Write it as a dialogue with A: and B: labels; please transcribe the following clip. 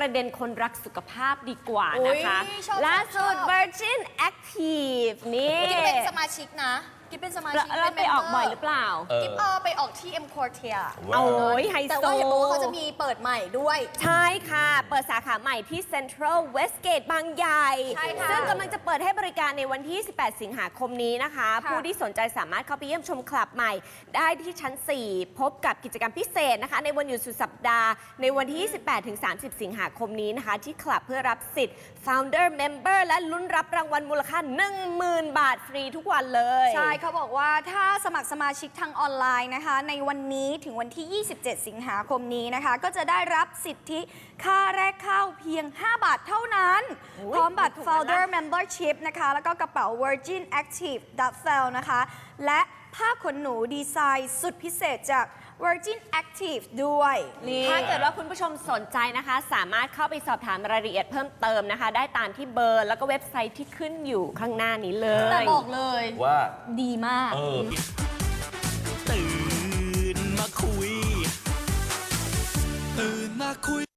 A: ประเด็นคนรักสุขภาพดีกว่านะคะล่าสุด Virgin Active นี่
B: กิ๊บเป็นสมาชิกนะกิ๊บเป็นสมาชิก
A: แล้วไปออกบ่อยหรือเปล่า
B: กิ๊บไปออกที่ M Quartier
A: โอ้ยไฮโซ
B: แต่ว่าเห็นบอกว่าเขาจะมีเปิดใหม่ด้วย
A: ใช่ค่ะเปิดสาขาใหม่ที่ Central Westgate บางใหญ่ซึ่งกำลังจะเปิดให้บริการในวันที่ 18 สิงหาคมนี้นะคะผู้ที่สนใจสามารถเข้าไปเยี่ยมชมคลับใหม่ได้ที่ชั้น 4 พบกับกิจกรรมพิเศษนะคะในวันหยุดสุดสัปดาห์ในวันที่ 28 ถึง 30 สิงหาคมนี้นะคะที่คลับเพื่อรับสิทธิ์ Founder Member และลุ้นรับรางวัลมูลค่า 10,000 บาทฟรีทุกวันเลย
B: ใช่เขาบอกว่าถ้าสมัครสมาชิกทางออนไลน์นะคะในวันนี้ถึงวันที่ 27 สิงหาคมนี้นะคะก็จะได้รับสิทธิค่าแรกเข้าเพียง 5 บาทเท่านั้นพร้อมบัตร Founder Membership นะคะแล้วก็กระเป๋า Virgin Active Duffel นะคะและผ้าขนหนูดีไซน์สุดพิเศษจาก Virgin Active ด้วย
A: ถ้าเกิดว่าคุณผู้ชมสนใจนะคะสามารถเข้าไปสอบถามรายละเอียดเพิ่มเติมนะคะได้ตามที่เบอร์แล้วก็เว็บไซต์ที่ขึ้นอยู่ข้างหน้านี้เลย
B: แต่บอกเลย
C: ว่า
B: ดีมาก